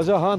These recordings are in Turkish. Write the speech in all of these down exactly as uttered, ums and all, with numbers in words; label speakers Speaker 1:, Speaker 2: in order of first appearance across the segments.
Speaker 1: Alacahan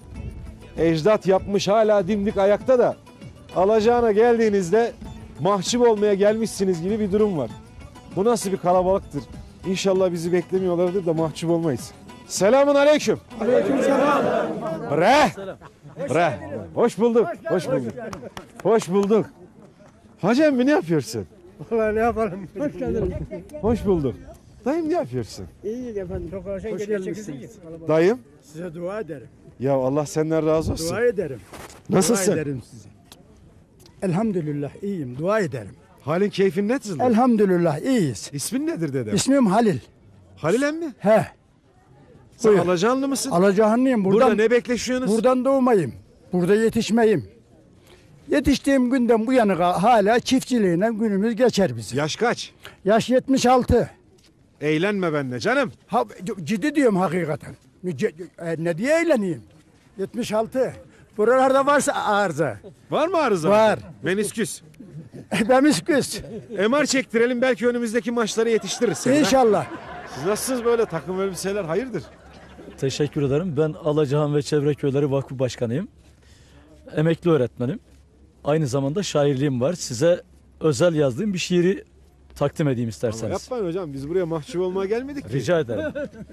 Speaker 1: ecdat yapmış, hala dimdik ayakta da alacağına geldiğinizde mahcup olmaya gelmişsiniz gibi bir durum var. Bu nasıl bir kalabalıktır? İnşallah bizi beklemiyorlardır da mahcup olmayız. Selamun aleyküm.
Speaker 2: Aleyküm selam.
Speaker 1: Bre. Bre. Hoş bulduk. Hoş bulduk. Hoş bulduk. Hacı emmi ne yapıyorsun?
Speaker 2: Vallahi ne yapalım? Hoş geldiniz.
Speaker 1: Hoş bulduk. Dayım ne yapıyorsun?
Speaker 2: İyi efendim. Çok hoş gelmişsiniz.
Speaker 1: Dayım.
Speaker 2: Size dua ederim.
Speaker 1: Ya Allah senden razı olsun.
Speaker 2: Dua ederim.
Speaker 1: Nasılsın?
Speaker 2: Dua ederim size. Elhamdülillah iyiyim. Dua ederim.
Speaker 1: Halin keyfin nasıl?
Speaker 2: Elhamdülillah iyiyiz.
Speaker 1: İsmin nedir dedem?
Speaker 2: İsmim Halil.
Speaker 1: Halil emmi.
Speaker 2: He.
Speaker 1: Sen
Speaker 2: Buyur.
Speaker 1: Alacanlı mısın?
Speaker 2: Alacahanlıyım. Buradan,
Speaker 1: Burada ne bekleşiyorsunuz?
Speaker 2: buradan doğmayım. Burada yetişmeyim. Yetiştiğim günden bu yana hala çiftçiliğine günümüz geçer bizim.
Speaker 1: Yaş kaç?
Speaker 2: Yaş yetmiş altı.
Speaker 1: Eğlenme benimle canım.
Speaker 2: Ha, ciddi diyorum hakikaten. Ce- e, Ne diye eğleneyim? yetmiş altı. Buralarda varsa arıza.
Speaker 1: Var mı arıza?
Speaker 2: Var.
Speaker 1: Menisküs.
Speaker 2: Bemisküs.
Speaker 1: M R çektirelim, belki önümüzdeki maçları yetiştiririz seni. ha?
Speaker 2: İnşallah.
Speaker 1: Siz nasılsınız böyle takım elbiseler, hayırdır?
Speaker 3: Teşekkür ederim. Ben Alacahan ve Çevre Köyleri Vakfı Başkanıyım. Emekli öğretmenim. Aynı zamanda şairliğim var. Size özel yazdığım bir şiiri takdim edeyim
Speaker 1: Ama
Speaker 3: isterseniz.
Speaker 1: yapmayın hocam, biz buraya mahcup olmaya gelmedik ki.
Speaker 3: Rica ederim.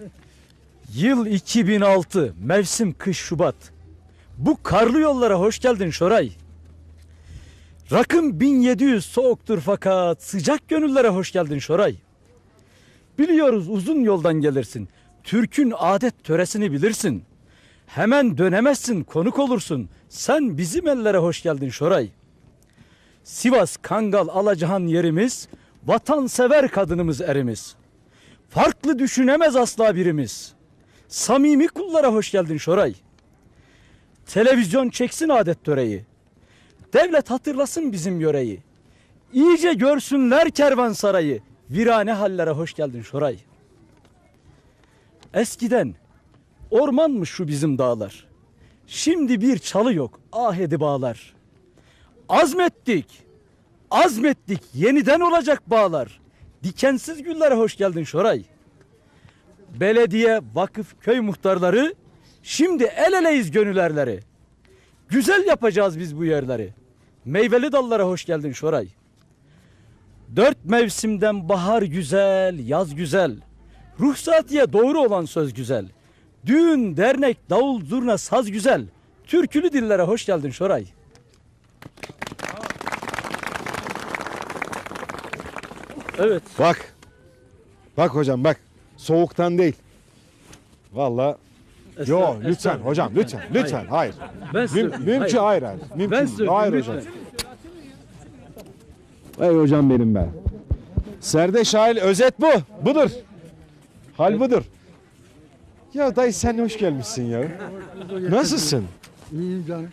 Speaker 3: Yıl iki bin altı, mevsim kış Şubat. Bu karlı yollara hoş geldin Şoray. Rakım bin yedi yüz soğuktur fakat sıcak gönüllere hoş geldin Şoray. Biliyoruz uzun yoldan gelirsin. Türk'ün adet töresini bilirsin. Hemen dönemezsin, konuk olursun. Sen bizim ellere hoş geldin Şoray. Sivas, Kangal, Alacahan yerimiz, vatansever kadınımız erimiz. Farklı düşünemez asla birimiz. Samimi kullara hoş geldin Şoray. Televizyon çeksin adet töreyi. Devlet hatırlasın bizim yöreyi. İyice görsünler kervansarayı. Virane hallere hoş geldin Şoray. Eskiden ormanmış şu bizim dağlar. Şimdi bir çalı yok, ah edi bağlar. Azmettik, azmettik, yeniden olacak bağlar. Dikensiz güllere hoş geldin Şoray. Belediye, vakıf, köy muhtarları, şimdi el eleyiz gönüllerleri. Güzel yapacağız biz bu yerleri. Meyveli dallara hoş geldin Şoray. Dört mevsimden bahar güzel, yaz güzel. Ruhsatiye doğru olan söz güzel. Düğün, dernek, davul, zurna, saz güzel. Türkülü dillere hoş geldin Şoray. Evet.
Speaker 1: Bak. Bak hocam bak. Soğuktan değil. Vallahi. Yo
Speaker 3: Estağfurullah,
Speaker 1: lütfen
Speaker 3: estağfurullah.
Speaker 1: hocam lütfen lütfen hayır.
Speaker 3: Ben
Speaker 1: Müm,
Speaker 3: söyleyeyim.
Speaker 1: mümkün
Speaker 3: Hayır.
Speaker 1: hayır hayır. Mümkün
Speaker 3: Ben
Speaker 1: değil.
Speaker 3: söyleyeyim,
Speaker 1: Hayır
Speaker 3: lütfen.
Speaker 1: hocam. Ey hocam benim ben. Serdeş Halil, özet bu. Budur. Hal budur. Ya dayı sen hoş gelmişsin ya. Nasılsın?
Speaker 2: İyiyim canım.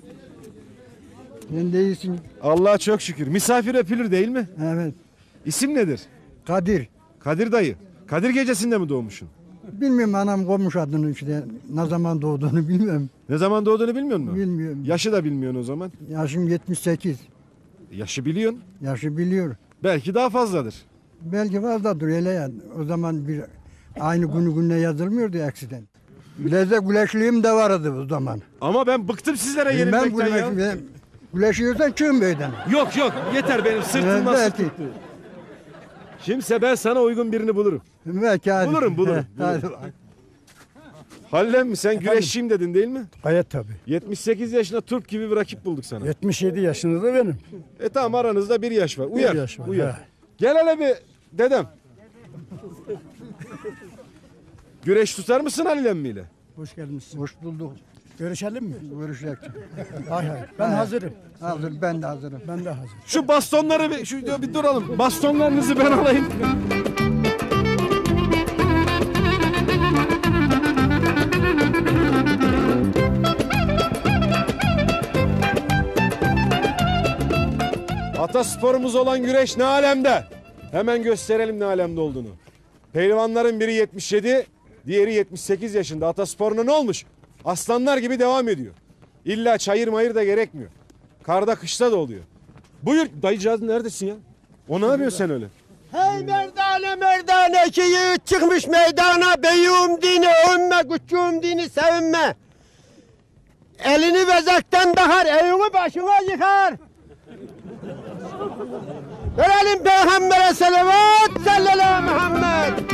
Speaker 2: Sen de iyisin.
Speaker 1: Allah'a çok şükür. Misafir öpülür değil mi?
Speaker 2: Evet.
Speaker 1: İsim nedir?
Speaker 2: Kadir.
Speaker 1: Kadir dayı. Kadir gecesinde mi doğmuşsun?
Speaker 2: Bilmiyorum anam koymuş adını işte. Ne zaman doğduğunu bilmiyorum.
Speaker 1: Ne zaman doğduğunu bilmiyor musun?
Speaker 2: Bilmiyorum.
Speaker 1: Yaşı da bilmiyorsun o zaman.
Speaker 2: Yaşım yetmiş sekiz.
Speaker 1: Yaşı biliyorsun.
Speaker 2: Yaşı biliyor.
Speaker 1: Belki daha fazladır.
Speaker 2: Belki fazladır öyle ya. O zaman bir aynı günü gününe yazılmıyordu eksiden. Bileze güleşliğim de vardı o zaman.
Speaker 1: Ama ben bıktım sizlere
Speaker 2: Ben
Speaker 1: yenilmekten ya.
Speaker 2: güleş, güleşiyorsan çıkın beyden.
Speaker 1: Yok yok yeter benim sırtımdan
Speaker 2: Evet,
Speaker 1: sık tuttu. Şimdise ben sana uygun birini bulurum.
Speaker 2: Belki hadi.
Speaker 1: Bulurum, bulurum,
Speaker 2: He, hadi.
Speaker 1: Halilem mi, sen güreşçiyim dedin değil mi?
Speaker 2: Gayet tabii.
Speaker 1: yetmiş sekiz yaşında turp gibi bir rakip bulduk sana.
Speaker 2: yetmiş yedi yaşında benim.
Speaker 1: E tamam, aranızda bir yaş var. Uyar.
Speaker 2: yaş var,
Speaker 1: Uyar.
Speaker 2: he.
Speaker 1: Gel hele bir dedem. Güreş tutar mısın Halil emmiyle?
Speaker 2: Hoş geldiniz. Hoş bulduk. Görüşelim mi? Görüşelim. hay hay. Ben hazırım. Hazır, ben de hazırım. Ben de hazırım.
Speaker 1: Şu bastonları bir, şu, bir duralım. Bastonlarınızı ben alayım. Atasporumuz olan güreş ne alemde? Hemen gösterelim ne alemde olduğunu. Pehlivanların biri yetmiş yedi, diğeri yetmiş sekiz yaşında. Atasporuna ne olmuş? Aslanlar gibi devam ediyor. İlla çayır mayır da gerekmiyor. Karda kışta da oluyor. Buyur dayıcağız, neredesin ya? O ne yapıyorsun sen öyle?
Speaker 4: Hey merdane merdane ki yiğit çıkmış meydana. Beyum dini övünme, küçüğüm dini sevinme. elini bezekten takar, evini başına yıkar. Verelim Peygamber'e selavat, sallallahu Muhammed.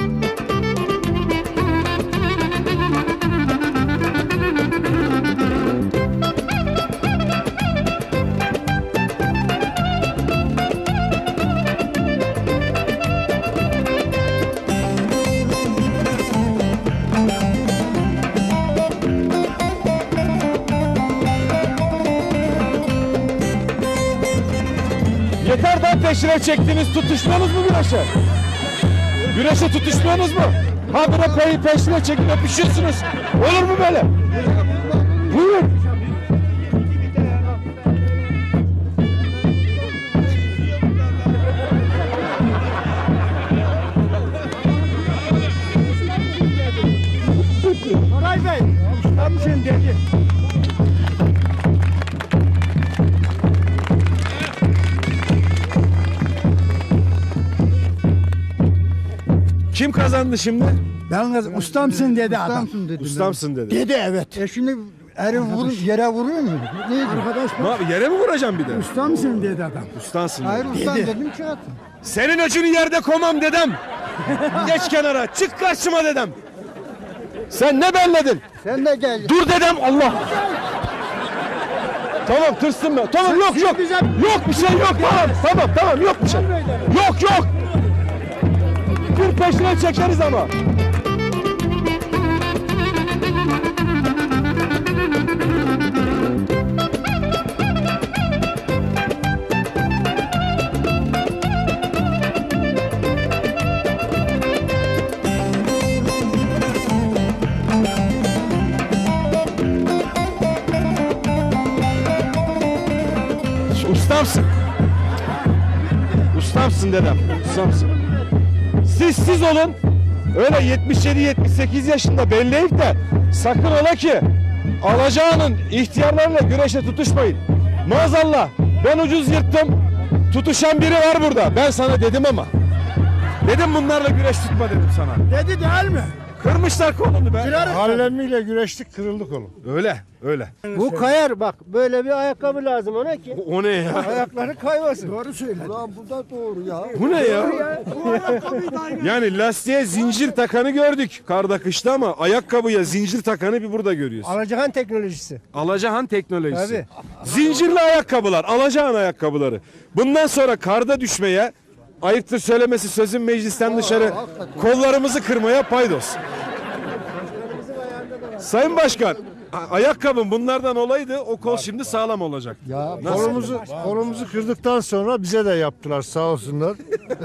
Speaker 1: Yeter daha peşine çektiğiniz tutuşmanız mı güreşe? Güreşe tutuşmuyorsunuz mu? Ha bire pe peşine çekip öpüşüyorsunuz. Olur mu böyle? Buyurun.
Speaker 4: Koray Bey, ustamsın dedi.
Speaker 1: Kim kazandı şimdi?
Speaker 5: Ben kız ustamsın dedi adam.
Speaker 2: Ustamsın dedi.
Speaker 1: Ustamsın dedi.
Speaker 5: Dedi evet.
Speaker 2: E şimdi eri vur, yere vuruyor mu? Neydi?
Speaker 5: Arkadaş
Speaker 1: Ne yap- Yere mi vuracağım bir de?
Speaker 5: ustamsın dedi adam.
Speaker 1: Ustansın.
Speaker 2: Hayır
Speaker 1: dedi.
Speaker 2: ustam
Speaker 5: Dedi.
Speaker 2: dedim ki attım.
Speaker 1: Senin öcünü yerde komam dedem. Geç kenara. Çık karşıma dedem. Sen ne belledin?
Speaker 2: Sen de gel.
Speaker 1: Dur dedem Allah. Tamam tırsın ben. Tamam yok yok. Yok bir şey yok tamam. Tamam tamam yok bir şey. Yok yok. Bir peşine çekeriz ama. Ustamsın. Ustamsın dedem. Ustamsın. Siz siz olun. Öyle yetmiş yedi yetmiş sekiz yaşında belleyip de sakın ola ki alacağının ihtiyarlarıyla güreşe tutuşmayın. Maazallah ben ucuz yırttım. Tutuşan biri var burada. Ben sana dedim ama. Dedim bunlarla güreş tutma dedim sana.
Speaker 5: Dedi değil mi?
Speaker 1: Kırmışlar kolunu be.
Speaker 6: Hallemiyle güreştik, kırıldı kolu.
Speaker 1: Öyle öyle.
Speaker 4: Bu kayar bak, böyle bir ayakkabı lazım ona ki
Speaker 1: O ne ya?
Speaker 4: ayakları kaymasın.
Speaker 5: Doğru söyledi.
Speaker 2: Ulan bu da doğru ya.
Speaker 1: Bu ne ya? Yani lastiğe zincir takanı gördük karda kışta ama ayakkabıya zincir takanı bir burada görüyoruz.
Speaker 4: Alacakan teknolojisi.
Speaker 1: Alacahan teknolojisi.
Speaker 4: Tabii.
Speaker 1: Zincirli ayakkabılar, Alacahan ayakkabıları. Bundan sonra karda düşmeye, ayıptır söylemesi sözün meclisten dışarı kollarımızı kırmaya paydos. Sayın Başkan, a- ayakkabım bunlardan olaydı o kol şimdi sağlam olacak.
Speaker 6: Ya kolumuzu kolumuzu kırdıktan sonra bize de yaptılar sağ olsunlar.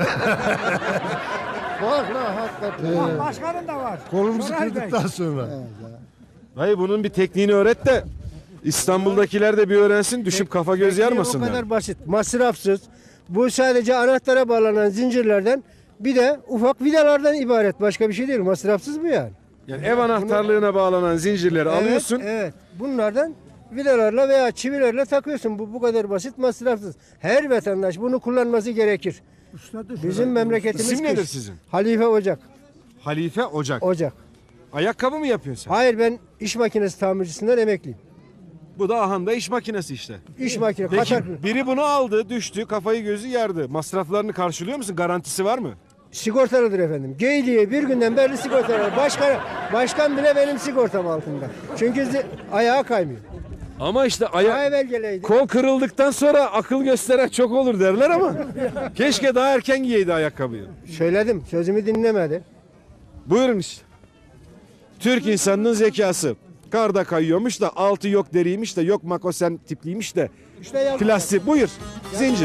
Speaker 2: Bak la hakikaten.
Speaker 5: Başkanın da var.
Speaker 6: Kolumuzu kırdıktan sonra.
Speaker 1: Hayır bunun bir tekniğini öğret de İstanbul'dakiler de bir öğrensin düşüp kafa göz
Speaker 4: Bu
Speaker 1: yarmasınlar.
Speaker 4: kadar basit, masrafsız. Bu sadece anahtara bağlanan zincirlerden bir de ufak vidalardan ibaret. Başka bir şey değil. Masrafsız bu yani.
Speaker 1: Yani ev anahtarlığına bağlanan zincirleri
Speaker 4: Evet,
Speaker 1: alıyorsun.
Speaker 4: Evet. Bunlardan vidalarla veya çivilerle takıyorsun. Bu bu kadar basit, masrafsız. Her vatandaş bunu kullanması gerekir. Bizim memleketimiz
Speaker 1: İsim nedir
Speaker 4: kış.
Speaker 1: sizin?
Speaker 4: Halife Ocak.
Speaker 1: Halife Ocak.
Speaker 4: Ocak.
Speaker 1: Ayakkabı mı yapıyorsun sen?
Speaker 4: Hayır, ben iş makinesi tamircisinden emekliyim.
Speaker 1: Bu da ahanda iş makinesi işte.
Speaker 4: İş makine.
Speaker 1: Peki
Speaker 4: Katar,
Speaker 1: biri bunu aldı, düştü, kafayı gözü yardı. Masraflarını karşılıyor musun? Garantisi var mı?
Speaker 4: sigortalıdır efendim. Geyliğe bir günden beri sigortalı. Başkan, başkan bile benim sigortam altında. Çünkü zi- ayağı kaymıyor.
Speaker 1: Ama işte
Speaker 4: Daha
Speaker 1: aya
Speaker 4: evvel geleydi.
Speaker 1: kol kırıldıktan sonra akıl gösteren çok olur derler ama keşke daha erken giyeydi ayakkabıyı.
Speaker 4: Söyledim. Sözümü dinlemedi.
Speaker 1: Buyurun işte. Türk insanının zekası. Karda kayıyormuş da altı yok deriymiş de yok makosen tipliymiş de
Speaker 4: İşte yaz-
Speaker 1: plastik. Buyur. Zincir.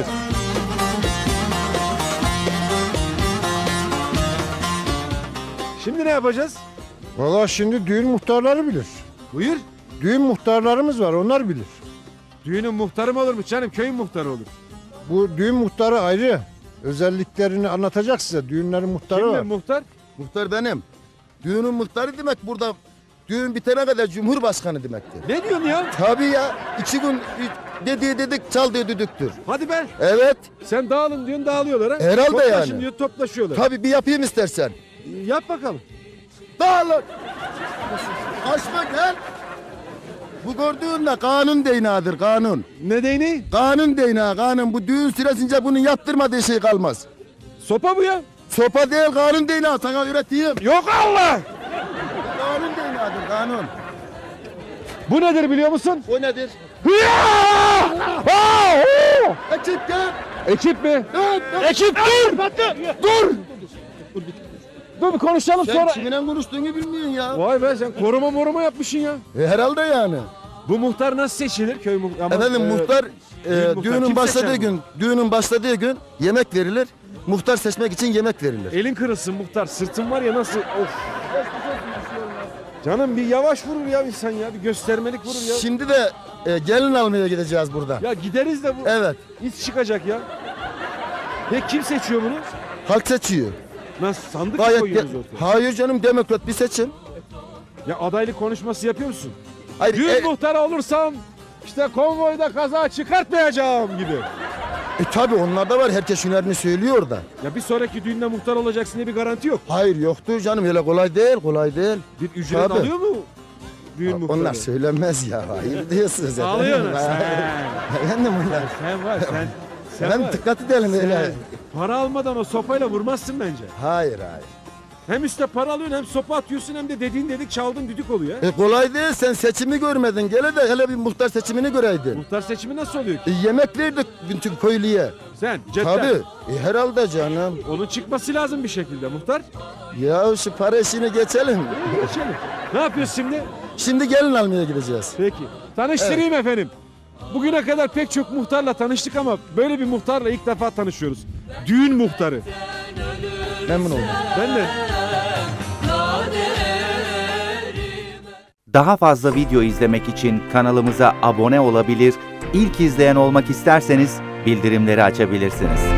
Speaker 1: Şimdi ne yapacağız?
Speaker 6: Valla şimdi düğün muhtarları bilir.
Speaker 1: Buyur.
Speaker 6: Düğün muhtarlarımız var onlar bilir.
Speaker 1: Düğünün muhtarı mı olur mu canım? Köyün muhtarı olur.
Speaker 6: Bu düğün muhtarı ayrı. Özelliklerini anlatacak size. Düğünlerin muhtarı
Speaker 1: Kimdir
Speaker 6: var.
Speaker 1: muhtar?
Speaker 7: Muhtar benim. Düğünün muhtarı demek burada düğün bitene kadar cumhurbaşkanı demektir.
Speaker 1: Ne diyorsun ya?
Speaker 7: Tabii ya iki gün dediği dedik çaldığı düdüktür.
Speaker 1: Hadi be.
Speaker 7: Evet
Speaker 1: Sen dağılın diyorsun dağılıyorlar ha.
Speaker 7: Herhalde
Speaker 1: Toplaşın
Speaker 7: yani.
Speaker 1: diyor toplaşıyorlar.
Speaker 7: tabii bir yapayım istersen.
Speaker 1: Yap bakalım.
Speaker 7: Dağılın. Kaçma gel. Bu gördüğün de kanun değneğidir kanun.
Speaker 1: Ne değneği?
Speaker 7: Kanun değneği kanun. Bu düğün süresince bunun yaptırmadığı şey kalmaz.
Speaker 1: Sopa bu ya.
Speaker 7: Sopa değil kanun değneği sana öğreteyim.
Speaker 1: Yok Allah!
Speaker 7: Kanun değneğidir kanun.
Speaker 1: Bu nedir biliyor musun?
Speaker 7: O nedir? Ekip gel.
Speaker 1: Ekip mi?
Speaker 7: Evet,
Speaker 1: Ekip dur! Dur! Dur bir konuşalım
Speaker 7: Sen
Speaker 1: sonra.
Speaker 7: kiminle konuştuğunu bilmiyorsun ya.
Speaker 1: Vay be sen koruma moruma yapmışsın ya.
Speaker 7: E, herhalde yani.
Speaker 1: Bu muhtar nasıl seçilir köy muhtarı?
Speaker 7: Efendim muhtar e,
Speaker 1: büyük muhtar.
Speaker 7: düğünün
Speaker 1: Kim
Speaker 7: başladığı
Speaker 1: seçer
Speaker 7: gün, düğünün başladığı gün yemek verilir. Muhtar seçmek için yemek verilir.
Speaker 1: Elin kırılsın muhtar. Sırtın var ya nasıl? Of. Canım bir yavaş vurur ya insan ya. Bir göstermelik vurur ya.
Speaker 7: Şimdi de e, gelin almaya gideceğiz burada.
Speaker 1: Ya gideriz de bu.
Speaker 7: Evet.
Speaker 1: İz çıkacak ya. Peki kim seçiyor bunu?
Speaker 7: Halk seçiyor.
Speaker 1: Nasıl sandık mı
Speaker 7: Gayet
Speaker 1: koyuyoruz
Speaker 7: de-
Speaker 1: ortaya?
Speaker 7: Hayır canım demokrat bir seçim.
Speaker 1: Ya adaylık konuşması yapıyor musun?
Speaker 7: Hayır,
Speaker 1: Düğün
Speaker 7: e,
Speaker 1: muhtarı olursam işte konvoyda kaza çıkartmayacağım gibi.
Speaker 7: e, tabii onlar da var. Herkes hünerini söylüyor da.
Speaker 1: Ya bir sonraki düğünde muhtar olacaksın diye bir garanti yok.
Speaker 7: Hayır yoktur canım öyle kolay değil kolay değil.
Speaker 1: Bir ücret
Speaker 7: Tabii.
Speaker 1: alıyor mu düğün muhtarı?
Speaker 7: Onlar söylenmez ya. Hayır diyorsunuz.
Speaker 1: Alıyor mu?
Speaker 7: efendim.
Speaker 1: Sen,
Speaker 7: Efendim onlar.
Speaker 1: sen var sen. Sen
Speaker 7: Ben
Speaker 1: var.
Speaker 7: dikkat edelim
Speaker 1: Sen
Speaker 7: öyle.
Speaker 1: para almadan o sopayla vurmazsın bence.
Speaker 7: Hayır hayır.
Speaker 1: Hem üstte para alıyorsun hem sopa atıyorsun hem de dediğin dedik çaldın düdük oluyor.
Speaker 7: E kolay değil sen seçimi görmedin. Gele de hele bir muhtar seçimini göreydin.
Speaker 1: Muhtar seçimi nasıl oluyor ki?
Speaker 7: E, yemek verdik bütün köylüye.
Speaker 1: Sen cepten.
Speaker 7: Tabii. E, herhalde canım.
Speaker 1: Onun çıkması lazım bir şekilde muhtar.
Speaker 7: Ya şu para işini geçelim.
Speaker 1: Geçelim. Ne yapıyoruz şimdi?
Speaker 7: Şimdi gelin almaya gideceğiz.
Speaker 1: Peki. Tanıştırayım efendim. Bugüne kadar pek çok muhtarla tanıştık ama böyle bir muhtarla ilk defa tanışıyoruz. Düğün muhtarı.
Speaker 7: Memnun oldum.
Speaker 1: Ben de.
Speaker 8: Daha fazla video izlemek için kanalımıza abone olabilir, ilk izleyen olmak isterseniz bildirimleri açabilirsiniz.